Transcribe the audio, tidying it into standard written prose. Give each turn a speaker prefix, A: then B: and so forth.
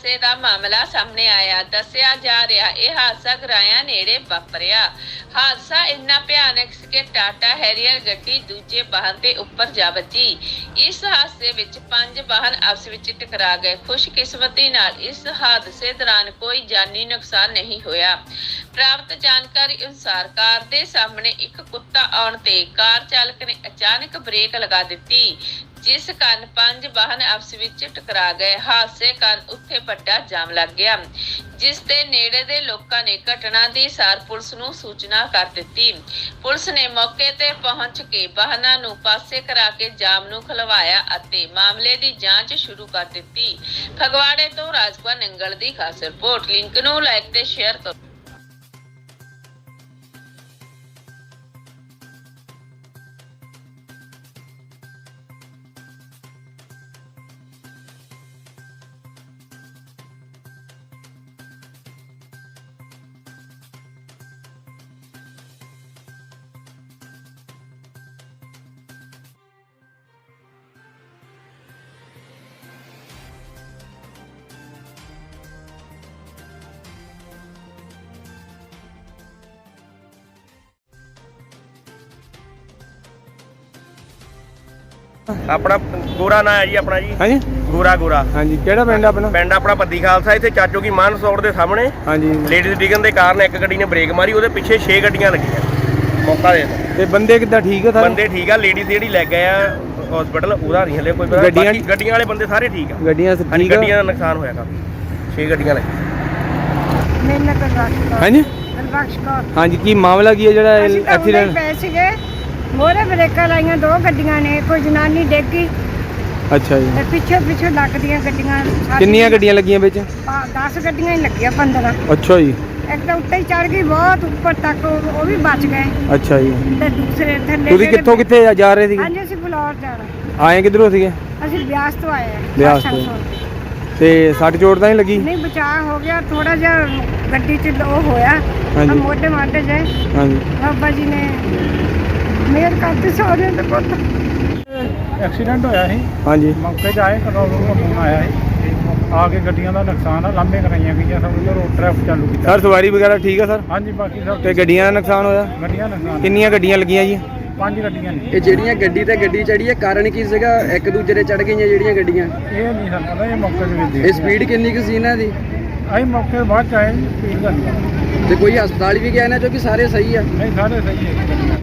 A: ਹਾਦਸੇ ਦਾ ਮਾਮਲਾ ਸਾਹਮਣੇ ਆਇਆ। ਦੱਸਿਆ ਜਾ ਰਿਹਾ ਇਹ ਹਾਦਸਾ ਗਰਾਇਆ ਨੇੜੇ ਵਾਪਰਿਆ। ਹਾਦਸਾ ਇੰਨਾ ਭਿਆਨਕ ਸੀ ਕਿ ਟਾਟਾ ਹੈਰੀਅਰ ਗੱਡੀ ਦੂਜੇ ਵਾਹਨ ਦੇ ਉੱਪਰ ਜਾ ਵੱਜੀ। ਇਸ ਹਾਦਸੇ ਵਿੱਚ 5 ਵਾਹਨ ਆਪਸ ਵਿੱਚ ਟਕਰਾ ਗਏ। ਖੁਸ਼ਕਿਸਮਤੀ ਨਾਲ ਇਸ ਹਾਦਸੇ ਦੌਰਾਨ ਕੋਈ ਜਾਨੀ ਨੁਕਸਾਨ ਨਹੀਂ ਹੋਇਆ। ਪ੍ਰਾਪਤ ਜਾਣਕਾਰੀ ਅਨੁਸਾਰ ਕਾਰ ਦੇ ਸਾਹਮਣੇ ਇੱਕ ਕੁੱਤਾ ਆਉਣ ਤੇ ਕਾਰ ਚਾਲਕ ਨੇ ਅਚਾਨਕ ਬ੍ਰੇਕ ਲਗਾ ਦਿੱਤੀ, ਜਿਸ ਕਾਰਨ 5 ਵਾਹਨ ਆਪਸ ਵਿੱਚ ਟਕਰਾ ਗਏ। ਹਾਦਸੇ ਕਾਰਨ ਉੱਥੇ ਵੱਡਾ ਜਾਮ ਲੱਗ ਗਿਆ, ਜਿਸ ਦੇ ਨੇੜੇ ਦੇ ਲੋਕਾਂ ਨੇ ਘਟਨਾ ਦੀ ਸਾਰ ਪੁਲਿਸ ਨੂੰ ਸੂਚਨਾ ਕਰ ਦਿੱਤੀ। ਪੁਲਿਸ ਨੇ ਮੌਕੇ ਤੇ ਪਹੁੰਚ ਕੇ ਵਾਹਨਾਂ ਨੂੰ ਪਾਸੇ ਕਰਾ ਕੇ ਜਾਮ ਨੂੰ ਖੁਲਵਾਇਆ ਅਤੇ ਮਾਮਲੇ ਦੀ ਜਾਂਚ ਸ਼ੁਰੂ ਕਰ ਦਿੱਤੀ। ਫਗਵਾੜੇ ਤੋਂ ਰਾਜਪਾਲ ਨੰਗਲ ਦੀ ਖਾਸ ਰਿਪੋਰਟ। ਲਿੰਕ ਨੂੰ ਲਾਈਕ ਤੇ ਸ਼ੇਅਰ ਕਰੋ।
B: अपना गोरा ना है जी, अपना जी
C: हाँ जी
B: गोरा गोरा।
C: हाँ जी केड़ा पिंड अपना?
B: पिंड अपना पद्दी खालसा। इत्थे चाचो की मान सौड़ के सामने
C: हाँ जी
B: लेडीज डिगन के कारण एक गड्डी ने ब्रेक मारी, ਉਹਦੇ ਪਿੱਛੇ 6 ਗੱਡੀਆਂ ਲੱਗੀਆਂ। मौका दे
C: ते बंदे किद्दां ठीक है?
B: बंदे ठीक है। लेडीज ਜਿਹੜੀ ਲੈ ਗਏ ਆ ਹਸਪੀਟਲ ਉਹਦਾ ਨਹੀਂ ਹਲੇ ਕੋਈ ਪਤਾ। ਗੱਡੀਆਂ ਵਾਲੇ ਬੰਦੇ ਸਾਰੇ ਠੀਕ ਆ।
C: ਗੱਡੀਆਂ
B: ਹਾਂਜੀ
C: ਠੀਕ ਆ।
B: ਗੱਡੀਆਂ ਦਾ ਨੁਕਸਾਨ ਹੋਇਆ ਕਾਫੀ। 6 ਗੱਡੀਆਂ ਲੱਗੀਆਂ।
D: ਮੈਨੂੰ ਕਰਵਾਸ਼ਕਰ
C: हाँ जी
D: ਕਰਵਾਸ਼ਕਰ
C: हाँ जी की मामला की है जेड़ा एक्सीडेंट?
D: ਪੈ ਸੀਗੇ ਮੋਰੇ ਬ੍ਰੇਕਾਂ ਲਾਈਆਂ 2 ਗੱਡੀਆਂ ਨੇ, ਕੋਈ ਜਨਾਨੀ ਡੇਗੀ
C: अच्छा जी
D: ਤੇ ਪਿੱਛੇ ਲੱਗਦੀਆਂ ਗੱਡੀਆਂ।
C: ਕਿੰਨੀਆਂ ਗੱਡੀਆਂ ਲੱਗੀਆਂ ਵਿੱਚ?
D: 10 ਗੱਡੀਆਂ ਹੀ ਲੱਗੀਆਂ, 15।
C: अच्छा जी
D: ਇੱਕ ਤਾਂ ਉੱਤੇ ਹੀ ਚੜ ਗਈ ਬਹੁਤ ਉੱਪਰ ਤੱਕ, ਉਹ ਵੀ ਬਚ ਗਏ
C: अच्छा जी
D: ਤੇ ਦੂਸਰੇ ਥੱਲੇ
C: ਤੁਸੀਂ ਕਿੱਥੋਂ ਕਿੱਥੇ ਜਾ ਰਹੇ ਸੀਗੇ?
D: ਹਾਂਜੀ ਅਸੀਂ ਬਲੌਰ ਜਾਣਾ।
C: ਆਏ ਕਿੱਧਰੋਂ ਸੀਗੇ?
D: ਅਸੀਂ ਬਿਆਸ ਤੋਂ ਆਏ ਆ।
C: ਬਿਆਸ ਤੋਂ। ਤੇ ਸੱਟ ਚੋਟ ਤਾਂ ਨਹੀਂ ਲੱਗੀ?
D: ਨਹੀਂ, ਬਚਾਅ ਹੋ ਗਿਆ ਥੋੜਾ ਜਿਹਾ, ਗੱਡੀ 'ਚ ਉਹ ਹੋਇਆ
C: ਹਾਂਜੀ।
D: ਮੋਢੇ ਮਾਢੇ ਜੇ
C: हाँ जी
D: ਬਾਬਾ ਜੀ ਨੇ ਮਿਹਰ ਕਰਤੀ ਸਾਰਿਆਂ ਦੇ ਪੁੱਤ।
E: ਐਕਸੀਡੈਂਟ ਹੋਇਆ ਸੀ।
C: हाँ जी
E: ਮੌਕੇ 'ਤੇ ਆਏ, ਕੰਟਰੋਲ ਰੂਮ ਤੋਂ ਫੋਨ ਆਇਆ ਸੀ ਆ ਕੇ ਗੱਡੀਆਂ ਦਾ ਨੁਕਸਾਨ ਆ, ਲਾਂਭੇ ਕਰਾਈਆਂ ਗਈਆਂ, ਸਭ ਨੂੰ ਰੋਡ ਟ੍ਰੈਫਿਕ ਚਾਲੂ ਕੀਤਾ।
C: सर सवारी वगैरह ठीक है सर?
E: ਹਾਂਜੀ ਬਾਕੀ ਸਭ
C: ਤੇ ਗੱਡੀਆਂ ਦਾ ਨੁਕਸਾਨ ਹੋਇਆ?
E: ਗੱਡੀਆਂ ਨੁਕਸਾਨ
C: ਕਿੰਨੀਆਂ ਗੱਡੀਆਂ ਲੱਗੀਆਂ ਜੀ?
E: 5 ਗੱਡੀਆਂ ਨੇ।
F: ਇਹ ਜਿਹੜੀਆਂ ਗੱਡੀ ਤੇ ਗੱਡੀ ਚੜੀ ਹੈ, ਕਾਰਨ ਕੀ ਸੀਗਾ? ਇੱਕ ਦੂਜੇ ਦੇ ਚੜ ਗਈਆਂ ਜਿਹੜੀਆਂ ਗੱਡੀਆਂ,
E: ਇਹ ਨਹੀਂ ਸਾਨੂੰ ਪਤਾ, ਇਹ ਮੌਕੇ 'ਤੇ ਵੀ
F: ਇਹ ਸਪੀਡ ਕਿੰਨੀ ਕੁ ਸੀ ਇਹਨਾਂ ਦੀ?
E: ਅਸੀਂ ਮੌਕੇ ਤੋਂ ਬਾਅਦ 'ਚ ਆਏ, ਸਪੀਡ ਦਾ ਨਹੀਂ
F: ਤੇ ਕੋਈ ਹਸਪਤਾਲ ਵੀ ਗਿਆ ਨਾ, ਕਿਉਂਕਿ ਸਾਰੇ ਸਹੀ ਆ?
E: ਨਹੀਂ, ਸਾਰੇ ਸਹੀ ਹੈ।